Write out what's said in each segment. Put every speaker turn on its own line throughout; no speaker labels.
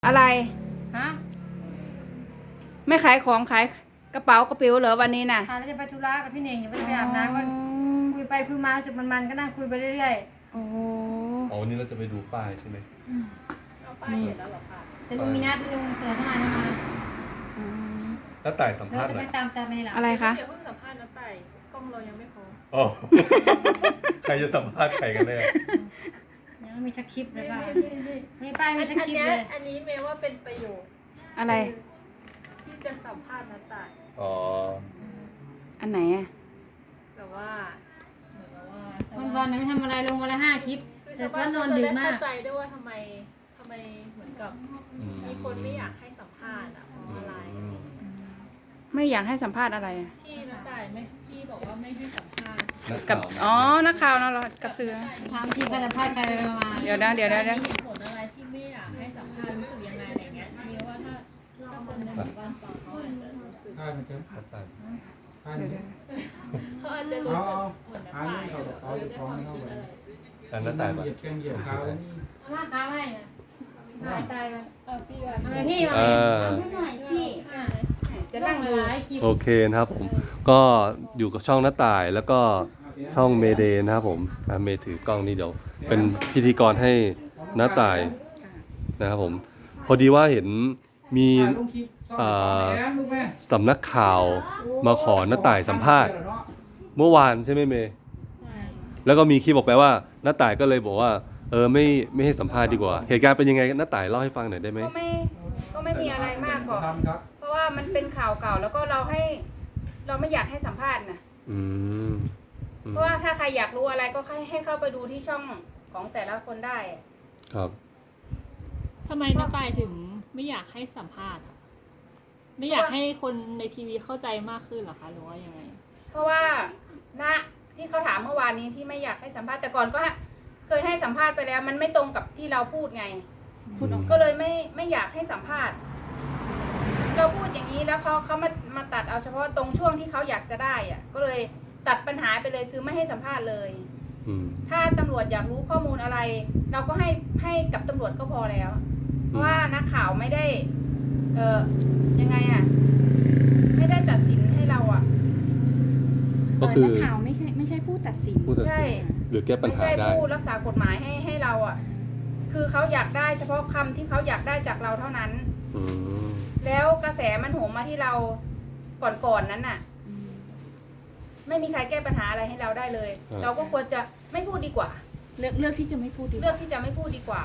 อะไร
ฮะ
ไม่ขายของขายกระเป๋ากระเป๋าเหรอวันนี้น่ะ
ค่ะแล้วจะไปธุระกับพี่เน่งอยู่ไปอาบน้ำก็คุยไปคุยมารู้สึกมันก็นั่งคุยไปเรื่อย
โอ้โห
อ๋อวันนี้เราจะไปดูป้ายใช่ไหม
ๆป้ายเสร็จแล้วหรอคะแต่ลุงมีนัดลุงเตือนเข้ามาทำไม
อืม
แล้วต่ายสัม
เรา
ภาษณ์
จะ
หน่
ไป
อย
ตามไปในหลัง
อะไรคะ
เดี๋ยวเพิ่งสัมภาษณ์น้าไต่กล้องเรายังไม่พร้อม
อ๋อ ใครจะสัมภาษณ์ใครกันแน่
ยังไม่มีชักคลิปเลยค่ะมีป้ายมีชักคลิปเลย
อันนี้เมย์ว่าเป็นประโยชน์
อะไร
ที่จะสัมภาษณ์น้าไต่
อ๋อ
อันไหนอ่ะ
แต่ว่าเหมือนกับว่า
วันๆไม่ทำอะไรลงวันละ5 คลิป
คือ
เสร็
ชา
จ
วบ้า
แล้ว
น
นอน
จะ
ดึก
ได้
มาก
เข้าใจด้วยว่าทำไมเหมือนกับมีคนไม่อยากให้สัมภาษณ์อ่ะเพราะอะไร
ไม่อยากให้สัมภาษณ์อะไรอะ
ที่น้าไต่ไม่ที่บอกว่าไม่ให้สัมภาษณ์
นัก
กับ
ข่าว
อ๋อนักข่าวนะเรากับสื่อ
ถามทีใครสัมภาษณ์ใครมา
เดี๋ยวนะเดี๋ยว
มีเหตุผลอะไรที่ไม่อยากให้สัมภาษณ์รู้สึกยังไงอะไรเงี้ยเมย์ว่าถ้าคนในหมู่บ้านฟังเขาอาจจะรู้สึก
อ่านมันเถอะ
นักต่าย
อ่าน
เดี๋ยว
เถ
เดี๋ย
อะ
ว
เขาอาจจะรู้สึกเหมือนน้าไต่ได้ความคิดอะไร
อันนักต่าย
เห
ปะ
ยียบแข้งเหยียบเท้านี่
มาค้าไม่นะตายแล้ว
พี่ว่า
ทำไมพี่มา
อ่า
หน่อยสิ
จะนั่งดู
หลายคลิป
โอเคนะครับผม ก็อยู่กับช่องน้าต่ายแล้วก็ช่องเมเดย์นะครับผมเมย์ถือกล้องนี่เดี๋ยวเป็นพิธีกรให้น้าต่ายนะครับผม พอดีว่าเห็นมี
ถ่ายลงคลิปซ่อนแหนลูกแม่
สำนักข่าวมาขอน้าต่ายสัมภาษณ์เมื่อวานใช่ไหมเมย์
ใช่
แล้วก็มีคลิปบอกไปว่าน้าต่ายก็เลยบอกว่าไม่ให้สัมภาษณ์ดีกว่า เหตุการณ์เป็นยังไงน้าต่ายเล่าให้ฟังหน่อยได้ไหม
ก็ไม่มีอะไรมากหรอก
ทำครับ
เพราะว่ามันเป็นข่าวเก่าแล้วก็เราไม่อยากให้สัมภาษณ์นะ
อืม
เพราะว่าถ้าใครอยากรู้อะไรก็ให้เข้าไปดูที่ช่องของแต่ละคนได้
ครับ
ทำไมน้าไต่ถึงไม่อยากให้สัมภาษณ์อะไม่อยากให้คนในทีวีเข้าใจมากขึ้นเหรอคะหรือว่ายังไง
เพราะว่าณที่เขาถามเมื่อวานนี้ที่ไม่อยากให้สัมภาษณ์แต่ก่อนก็เคยให้สัมภาษณ์ไปแล้ว มันไม่ตรงกับที่เราพูดไง ก็เลยไม่อยากให้สัมภาษณ์ เราพูดอย่างนี้แล้วเขามาตัดเอาเฉพาะตรงช่วงที่เขาอยากจะได้อะก็เลยตัดปัญหาไปเลยคือไม่ให้สัมภาษณ์เลย
อืม
ถ้าตำรวจอยากรู้ข้อมูลอะไร เราก็ให้กับตำรวจก็พอแล้ว เพราะว่านักข่าวไม่ได้ ยังไงอะไม่ได้ตัดสินให้เราอะ
ก็คือ
นักข่าวไม่ใช่ผู้ตัดสิน
ผู้ตัด
ใช่
สินหรือแก้ปัญ
ไม่
หา
ใช่
ได้
ผู้รักษากฎหมายให้เราอะคือเขาอยากได้เฉพาะคำที่เขาอยากได้จากเราเท่านั้น
อืม
แล้วกระแสมันโหมมาที่เราก่อนนั้นน่ะ ไม่มีใครแก้ปัญหาอะไรให้เราได้เลย เราก็ควรจะไม่พูดดีกว่า
เลือกที่จะไม่พูดดีก
เลือก
ว่า
ที่จะไม่พูดดีกว่า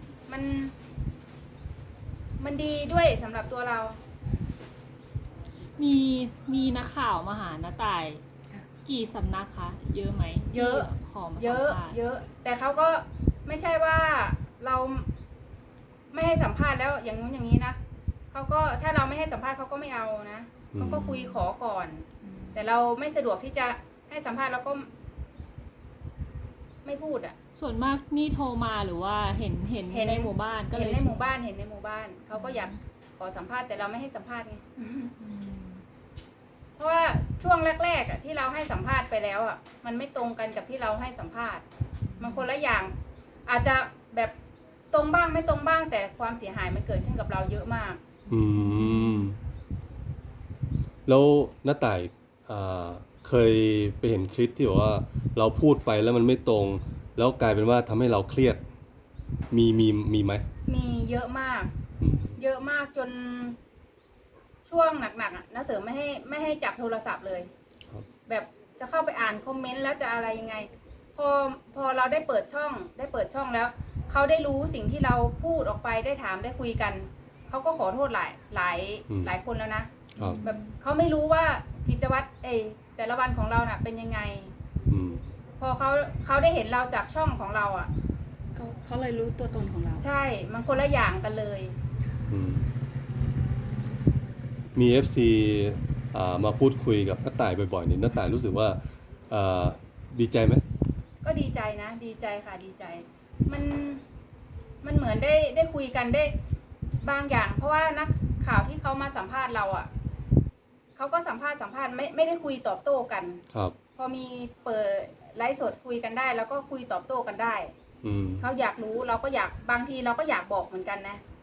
มันดีด้วยสำหรับตัวเรา
มีนักข่าวมาหาน้าไต่กี่สำนักคะเยอะไหม
เยอะ
ที่ขอมา
เยอะ
สัมภาษณ์
เยอะ แต่เขาก็ไม่ใช่ว่าเราไม่ให้สัมภาษณ์แล้วอย่างนู้นอย่างนี้นะเขาก็ถ้าเราไม่ให้สัมภาษณ์เขาก็ไม่เอานะเขาก็คุยขอก่อน แต่เราไม่สะดวกที่จะให้สัมภาษณ์แล้วก็ ไม่พูดอ่ะ
ส่วนมากนี่โทรมาหรือว่าเห็นในหมู่บ้านก็เล
เห็น
ย
ในหมู่บ้านเห็นในหมู่บ้านเขาก็อยากขอสัมภาษณ์แต่เราไม่ให้สัมภาษณ์ไง
อืม
เพราะว่าช่วงแรกๆอ่ะที่เราให้สัมภาษณ์ไปแล้วอ่ะมันไม่ตรงกันกับที่เราให้สัมภาษณ์ มันคนละอย่าง อาจจะแบบตรงบ้างไม่ตรงบ้าง แต่ความเสียหายมันเกิดขึ้นกับเราเยอะมาก
อืม แล้วน้าต่ายเคยไปเห็นคลิปที่บอกว่าเราพูดไปแล้วมันไม่ตรง แล้วกลายเป็นว่าทำให้เราเครียด มีไหม
มีเยอะมาก
อืม
เยอะมากจนช่วงหนักๆอ่ะน้าเสริมไม่ให้จับโทรศัพท์เลย
ครับ
แบบจะเข้าไปอ่านคอมเมนต์แล้วจะอะไรยังไง พอเราได้เปิดช่องแล้วเขาได้รู้สิ่งที่เราพูดออกไปได้ถามได้คุยกันเขาก็ขอโทษหลายคนแล้วนะครับ แบบเขาไม่รู้ว่ากิจวัตรแต่ละวันของเราน่ะเป็นยังไง
อืม
พอเขาได้เห็นเราจากช่องของเราอ่ะ
เขาเลยรู้ตัวตนของเรา
ใช่มันคนละอย่างกันเลย
อืม มี FC มาพูดคุยกับน้าต่ายบ่อยๆนี่น้าต่ายรู้สึกว่าดีใจไหม
ก็ดีใจนะดีใจค่ะดีใจ มันเหมือนได้คุยกันได้บางอย่าง เพราะว่านักข่าวที่เขามาสัมภาษณ์เราอ่ะเขาก็สัมภาษณ์ไม่ได้คุยตอบโต้กัน
ครับ
พอมีเปิดไลฟ์สดคุยกันได้ แล้วก็คุยตอบโต้กันได้
อืม
เขาอยากรู้เราก็อยากบางทีเราก็อยากบอกเหมือนกันนะ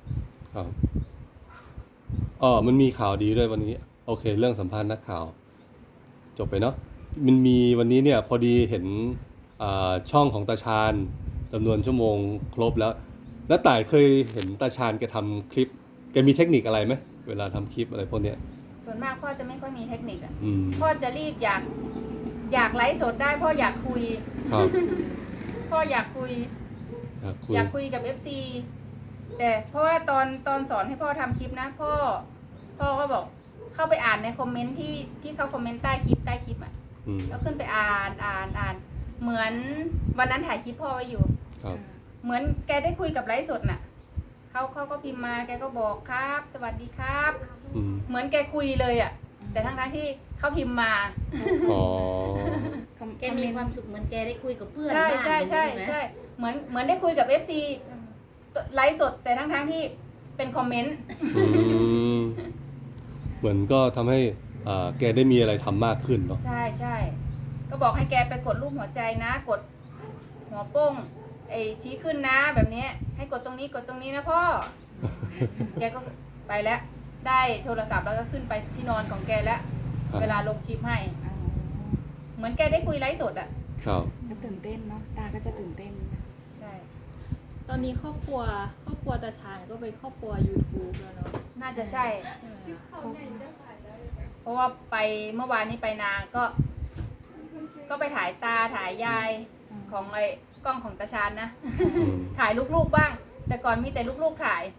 ครับมันมีข่าวดีด้วยวันนี้ โอเค เรื่องสัมภาษณ์นักข่าว จบไปเนาะมันมีวันนี้เนี่ยพอดีเห็นช่องของตาชาญจำนวนชั่วโมงครบแล้วน้าต่ายเคยเห็นตาชาญแกทำคลิปแกมีเทคนิคอะไรไหมเวลาทำคลิปอะไรพวกเนี้ย
ส่วนมากพ่อจะไม่ค่อยมีเทคนิคอ่ะ
อืม
พ่อจะรีบอยากไลฟ์สดได้พ่ออยากคุย
ครับ
พ่ออยากคุย
คุย
อยากคุยกับ FC แต่เพราะว่าตอนสอนให้พ่อทำคลิปนะพ่อก็บอกเข้าไปอ่านในคอมเมนต์ที่เขาคอมเมนต์ใต้คลิปอ่ะ
อืม
แล้วขึ้นไปอ่านเหมือนวันนั้นถ่ายคลิปพ่อไว้อยู่
ครับ
เหมือนแกได้คุยกับไลฟ์สดน่ะเขาก็พิมพ์มาแกก็บอกครับ สวัสดีครับ
อืม
เหมือนแกคุยเลยอ่ะ แต่ทั้งที่เขาพิมพ์มา
อ๋อ
แกมีความสุขเหมือนแกได้คุยกับเพื่อน
ใช่
บ้าน
ใช่ใช่
ไหม
ใช่เหมือนได้คุยกับ FC ไลฟ์สดแต่ทั้งที่เป็นคอมเมนต์
อืมเหมือนก็ทำให้แกได้มีอะไรทำมากขึ้นเนาะ
ใช่ใช่ก็บอกให้แกไปกดรูปหัวใจนะ กดหัวโป้งชี้ขึ้นนะแบบนี้ให้กดตรงนี้กดตรงนี้นะพ่อ แกก็ไปแล้วได้โทรศัพท์แล้วก็ขึ้นไปที่นอนของแกแล้ว
ครับ
เวลาลงคลิปให้ เหมือนแกได้คุยไลฟ์สดอ่ะ
ครับ
ก็ตื่นเต้นเนาะตาก็จะตื่นเต้นนะ
ใช่
ตอนนี้ครอบครัวตาชาญก็เป็นครอบครัว YouTube แล้วเนาะ
น่าจะใช่
ใช่ไหม
เพราะว่าไปเมื่อวานนี้ไปนาก็ไปถ่ายตาถ่ายยายของกล้องของตาชานนะ
อืม
ถ่ายลูกๆบ้าง แต่ก่อนมีแต่ลูกๆถ่าย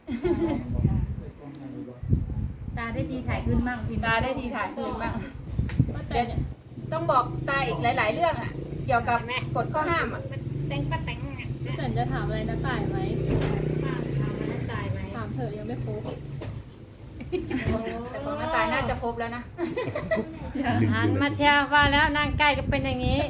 ตาได้ทีถ่ายขึ้นบ้างพิมพ์
ตาได้ทีถ่ายคืนบ้าง
ป้าแต
เดี๋ยวน ต้องบอกตาอีกหลาย ๆ เรื่องอ่ะ เกี่ยวกับกฎข้อห้ามอ่ะ
แต่งป้าแต่ง
ป้าแตนจะถามอะไรน้าต่ายไหม
ป้าทำแล้วตายไหม
ถามเถอะยังไม่ครบ
แต่ของน้าตายน่าจะครบแล้วนะ
หันมาเชียร์ว่าแล้วนั่งใกล้ก็เป็นอย่างนี้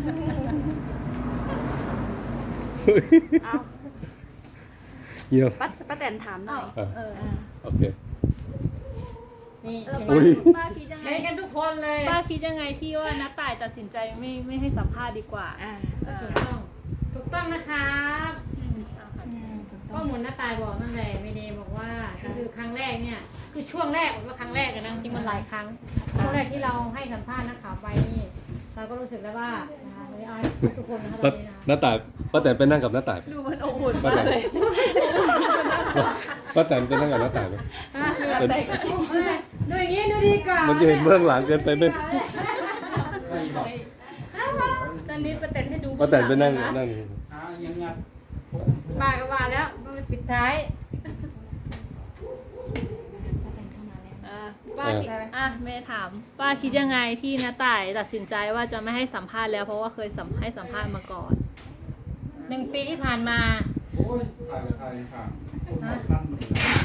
เยี่ยม
ป้าแตนถามหน่อย
เออ
โอเค
นี่
อุ้ย
ป้าคิดยังไง
เห็นกันทุกคนเลย
ป้าคิดยังไงที่ว่าน้าต่ายตัดสินใจไม่ให้สัมภาษณ์ดีกว่า
ถูกต้องนะครับ
ถูก
ก็
ต้อง
เหมือนน้าตายบอกนั่นแหละเมเดย์บอกว่าก็คือครั้งแรกเนี่ยคือช่วงแรกว่าครั้งแรกนะจริงมันหลายครั้งช่วงแรกที่เราให้สัมภาษณ์นักข่าวไปนี่เราก็รู้สึกแล้วว่านะคะไม่เอาให้ทุกคนนะคะตอนนี้นะ
น้าต่ายป้าแตนไปนั่งกับน้าต่ายไหม
ดูมันอบอุ่น
ป้าม
าก
แตน
เลย
ป้าแตนไปนั่งกับน้าต่ายไหม เป็น
ดูอย่างนี้ดูดีกว่า
มันจะเห็นเบื้องหลังเกินไปไหม
ตอนนี้ป้าแตนให้ดู
ป้าแตนไปนั่ง
นะ
นั่ง
ยังงัด
ป้าก็ว่าแล้วปิดท้าย
ป้าแตนเข้ามาแล้ว
ป้าคิดแม่ถาม ป้าคิดยังไงที่น้าต่ายตัดสินใจว่าจะไม่ให้สัมภาษณ์แล้วเพราะว่าเคยให้สัมภาษณ์มาก่อน
1 ปีที่ผ่านมา
โอ้ยถ่ายกับใครค่ะผมมาตั้งมือ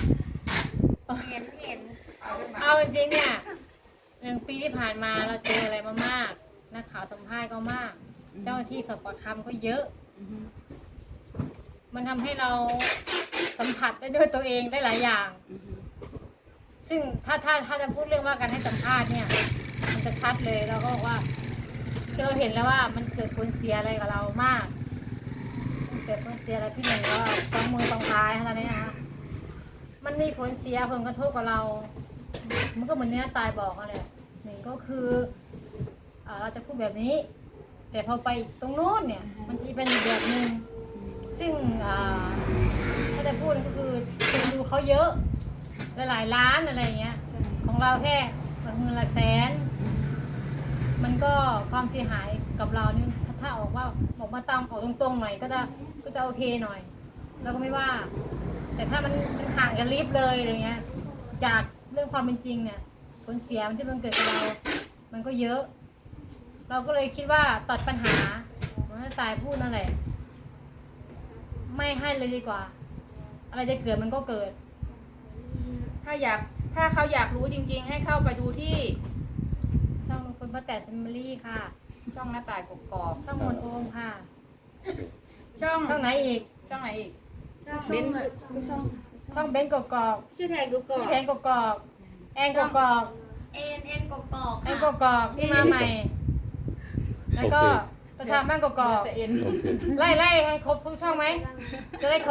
เอาจริงๆเนี่ย1 ปีที่ผ่านมาเราเจออะไรมามากนักข่าวสัมภาษณ์ก็มาก เจ้าหน้าที่สอบปากคำก็เยอะ
อือฮึ
มันทำให้เราสัมผัสได้ด้วยตัวเองได้หลายอย่าง
อือฮึ
ซึ่งถ้าจะพูดเรื่องว่าการให้สัมภาษณ์เนี่ยมันจะชัดเลยเราก็บอกว่าคือเราเห็นแล้วว่ามันเกิดผลเสียอะไรกับเรามากมันเกิดผลเสียอะไรที่หนึ่งก็สองมือสองท้ายเท่านี้นะคะมันมีผลเสียผลกระทบกับเรา มันก็เหมือนที่น้าตายบอกนั่นแหละหนึ่งก็คือเราจะพูดแบบนี้ แต่พอไปตรงนู้นเนี่ยมันจะเป็นอีกแบบหนึ่งซึ่งถ้าจะพูดก็คือคนดูเขาเยอะหลายๆล้านอะไรอย่างเงี้ย
ใช่
ของเราแค่หลักหมื่นหลักแสน มันก็ความเสียหายกับเรานี่ถ้าออกมาตามออกตรงๆหน่อยก็จะโอเคหน่อยเราก็ไม่ว่า แต่ถ้ามันห่างกันลิบเลยอะไรเงี้ย จากเรื่องความเป็นจริงเนี่ยผลเสียมันที่มันเกิดกับเรา มันก็เยอะ เราก็เลยคิดว่าตัดปัญหาเหมันตายพูดนั่นแหละ ไม่ให้เลยดีกว่า อะไรจะเกิดมันก็เกิด
ถ้าเขาอยากรู้จริง ๆ ให้เข้าไปดูที่
ช่องคนป้าแตนแฟมิลี่ค่ะ
ช่องหน้าต่ายกกอก
ช่องมนโอมค่ะ
ช่อง
ช่องไหนอีก
ช่องไหนอีก
เบนทุกช่อง
ช่องเบนกกอก
ชื่อแทนกูก่อน
พี่แทนกกอกแอนกกอก
เอ็นกกอก
แอนกกอกที่มาใหม่ แล้วก็ประชาบ้านกกอก
โอเค
ไล่ให้ครบทุกช่องไหม จะได้ครบ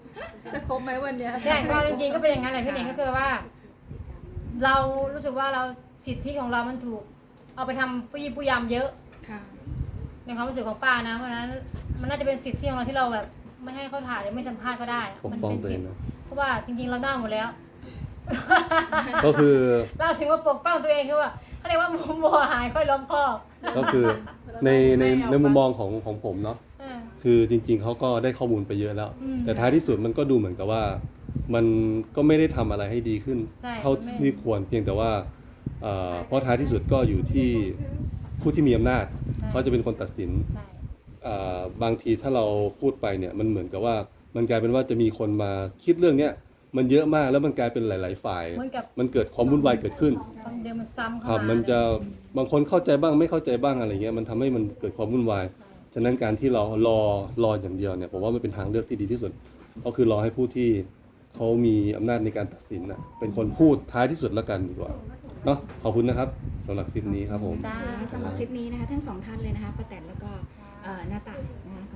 จะครบไหมวันเนี้ย
ใช่ก็จริงๆก็เป็นอย่างนั้นแหละพี่เน่งก็คือว่า เรารู้สึกว่าเราสิทธิของเรามันถูก เอาไปทำผู้ยี่ผู้ยำเยอะ
ค่ะ
ในความรู้สึกของป้านะเพราะฉะนั้นมันน่าจะเป็นสิทธิของเราที่เราแบบไม่ให้เขาถ่ายหรือไม่สัมภาษณ์ก็ได้อะ
ปก
มัน
ป้อง
เป็น
ตัวเอ
สิท
ง
ธิ์
นะ
เพราะว่าจริงๆเราได้หมดแล้ว
ก็คือ
เราถึงว่าปกป้องตัวเองคือว่าเขาเรียกว่าบัวหายค่อยล้อมคอก
ก็คือในมุมมองของผมเนาะ
เออ
คือจริงๆเขาก็ได้ข้อมูลไปเยอะแล้ว
อืม
แต่ท้ายที่สุดมันก็ดูเหมือนกับว่า มันก็ไม่ได้ทำอะไรให้ดีขึ้น
ใช่
เท่าที่ควรเพียงแต่ว่าเพราะท้ายที่สุดก็อยู่ที่ผู้ที่มีอำนาจเขาจะเป็นคนตัดสิน
ใช่
บางทีถ้าเราพูดไปเนี่ยมันเหมือนกับว่ามันกลายเป็นว่าจะมีคนมาคิดเรื่องเนี้ยมันเยอะมากแล้วมันกลายเป็นหลาย ๆ ฝ่าย
เหมือนกับ
มันเกิดความวุ่นวายเกิดขึ้น
ความเดิมมันซ้ำ
ค
เข้า
รับ
มา
มันจะบางคนเข้าใจบ้างไม่เข้าใจบ้างอะไรเงี้ยมันทำให้มันเกิดความวุ่นวายฉะนั้นการที่เรารออย่างเดียวเนี่ยผมว่ามันเป็นทางเลือกที่ดีที่สุด ก็คือรอให้ผู้ที่เขามีอำนาจในการตัดสินน่ะเป็นคนพูดท้ายที่สุดแล้วกันดีกว่าเนาะขอบคุณนะครับสำหรับคลิปนี้ครับผม
จ้า
สำหรับคลิปนี้นะคะทั้งสองท่านเลยนะคะป้าแตนแล้วก็หน้าต่ายนะคะ